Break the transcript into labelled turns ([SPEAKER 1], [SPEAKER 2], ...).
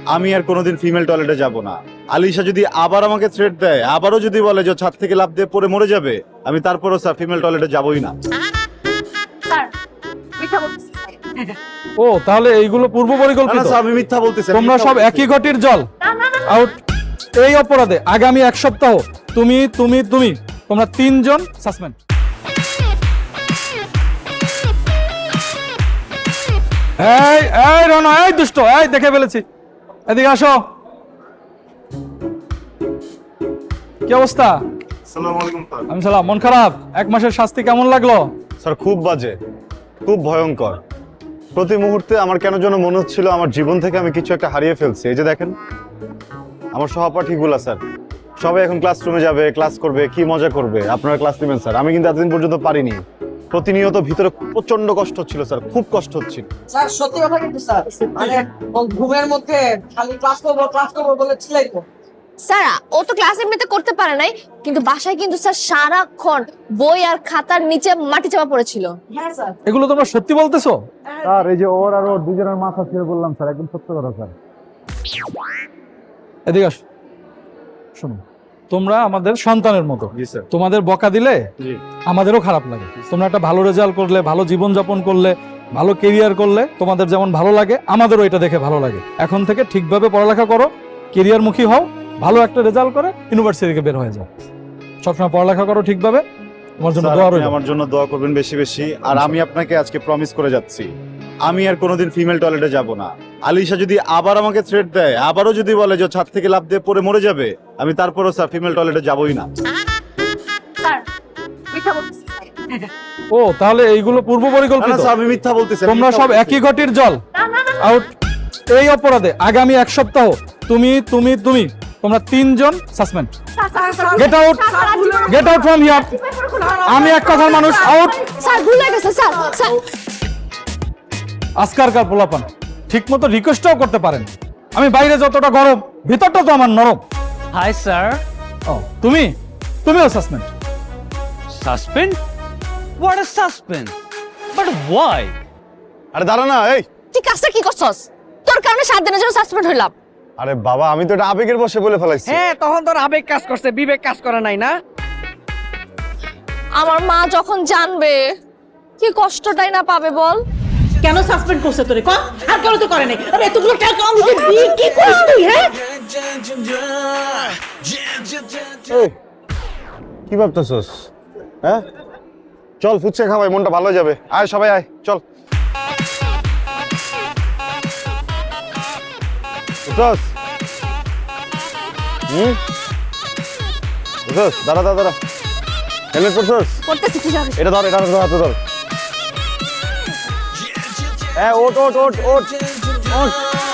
[SPEAKER 1] আমি আর কোনোদিন ফিমেল টয়লেটে যাব না। আলিশা যদি আবার আমাকে থ্রেট দেয়, আবারও যদি বলে যে ছাদ থেকে লাফ দিয়ে পড়ে মরে যাবে, আমি তারপরও স্যার ফিমেল টয়লেটে যাবই না।
[SPEAKER 2] স্যার মিথ্যা বলতেছি।
[SPEAKER 3] ও তাহলে এইগুলো পূর্ব
[SPEAKER 1] না,
[SPEAKER 3] পরিকল্পিত।
[SPEAKER 1] স্যার, আমি মিথ্যা বলতেছি।
[SPEAKER 3] তোমরা সব একই ঘটির জল।
[SPEAKER 2] না না না
[SPEAKER 3] আউট। এই অপরাধে আগামী 1 সপ্তাহ তুমি তোমরা 3 জন সাসপেন্ড। এই রনো, এই দুষ্ট, এই দেখে ফেলেছি, এদিকে আসো। কি অবস্থা?
[SPEAKER 1] আসসালামু আলাইকুম স্যার।
[SPEAKER 3] আমি সালাম। মন খারাপ? 1 মাসের শাস্তি কেমন লাগলো?
[SPEAKER 1] স্যার খুব বাজে, খুব ভয়ঙ্কর। প্রতি মুহূর্তে আমার কেন যেন মনে হচ্ছিল আমার জীবন থেকে আমি কিছু একটা হারিয়ে ফেলছি। এই যে দেখেন আমার সহপাঠীগুলা স্যার, সবাই এখন ক্লাসরুমে যাবে, ক্লাস করবে, কি মজা করবে। আপনারা ক্লাস নেবেন স্যার, আমি কিন্তু এতদিন পর্যন্ত পারিনি। প্রতিনিয়ত ভিতরে প্রচন্ড কষ্ট হচ্ছিল স্যার, খুব কষ্ট হচ্ছিল।
[SPEAKER 4] স্যার সত্যি কথা কিন্তু স্যার, মানে ঘুমের মধ্যে খালি ক্লাস করবো বলে চিল্লাইতো।
[SPEAKER 2] স্যার ও তো ক্লাস এমনিতে করতে পারে নাই, কিন্তু বাসায় কিন্তু স্যার সারাক্ষণ বই আর খাতার নিচে মাটি চাপা পড়েছিল।
[SPEAKER 4] হ্যাঁ স্যার।
[SPEAKER 3] এগুলো তোমরা সত্যি বলতেছো?
[SPEAKER 1] স্যার এই যে ওর আর ওর দুজনের মাথা ছেড়ে বললাম স্যার, একদম সত্য কথা স্যার।
[SPEAKER 3] এদিকে আসো। শোনো, তোমরা আমাদের সন্তানের মতো।
[SPEAKER 1] জি স্যার।
[SPEAKER 3] তোমাদের বকা দিলে
[SPEAKER 1] জি।
[SPEAKER 3] আমাদেরও খারাপ লাগে। তোমরা একটা ভালো রেজাল্ট করলে, ভালো জীবন যাপন করলে, ভালো কেরিয়ার করলে তোমাদের যেমন ভালো লাগে, আমাদেরও এটা দেখে ভালো লাগে। এখন থেকে ঠিকভাবে পড়ালেখা করো, কেরিয়ারমুখী হও, ভালো একটা রেজাল্ট করে ইউনিভার্সিটি থেকে বের হয়ে যাও। সবসময় পড়ালেখা করো ঠিকভাবে। তোমার জন্য
[SPEAKER 1] স্যার,
[SPEAKER 3] দোয়া
[SPEAKER 1] আপনি
[SPEAKER 3] রইল।
[SPEAKER 1] আমার জন্য দোয়া করবেন বেশি বেশি। আর আমি আপনাকে আজকে প্রমিস করে যাচ্ছি, আমি আর কোনোদিন ফিমেল টয়লেটে যাব না। আলিশা যদি আবার আমাকে থ্রেট দেয়, আবারও যদি বলে যে ছাদ থেকে লাফ দিয়ে পড়ে মরে যাবে, আমি তারপরও স্যার ফিমেল টয়লেটে যাবই না।
[SPEAKER 2] স্যার মিথ্যা বলতেছি।
[SPEAKER 3] ও তাহলে এইগুলো পূর্ব
[SPEAKER 1] না,
[SPEAKER 3] পরিকল্পিত।
[SPEAKER 1] স্যার, আমি মিথ্যা বলতেছি।
[SPEAKER 3] তোমরা সব একই ঘটির জল।
[SPEAKER 2] না না না
[SPEAKER 3] আউট। এই অপরাধে আগামী 1 সপ্তাহ তুমি তোমরা 3 জন suspend. Get out, get out from here. আমি এক কথার মানুষ। আউট।
[SPEAKER 2] স্যার ভুল হয়ে গেছে স্যার। স্যার
[SPEAKER 3] আজকালকার পোলাপান ঠিক মতো রিকোয়েস্টও করতে পারেন। আমি বাইরে যতটা গরম, ভিতরটা তো আমার নরম।
[SPEAKER 5] Hi, sir.
[SPEAKER 3] ও তুমিও suspend.
[SPEAKER 5] Suspend? What a suspend? But why?
[SPEAKER 1] আরে দাঁড়া না, এই।
[SPEAKER 2] তুই কাজটা কি করছস? তোর কারণে 7 দিনের জন্য সাসপেন্ড হইলাম।
[SPEAKER 1] আরে বাবা, আমি তো এটা আবেগের বশে বলে ফেলাইছি।
[SPEAKER 4] হ্যাঁ তখন তোর আবেগ কাজ করছে, বিবেক কাজ করে নাই না।
[SPEAKER 2] আমার মা যখন জানবে কি কষ্টটাই না পাবে বল।
[SPEAKER 6] কেন সাসপেন্ড করছে তোরে ক? আর কেন তো করে নাই? আরে এতগুলো টাকা আমাকে দিয়ে কি করিস তুই? হ্যাঁ
[SPEAKER 1] এই, কি ভাবতেছস? হ্যাঁ, চল ফুচকা খাওয়াই, মনটা ভালো হয়ে যাবে। আয় সবাই আয়, চল। উঠোস? উঠোস? দাঁড়া। হেলমেট পরছস?
[SPEAKER 2] করতেছি কি যাবে?
[SPEAKER 1] এটা ধর হাতে ধর। হ্যাঁ, ওঠ।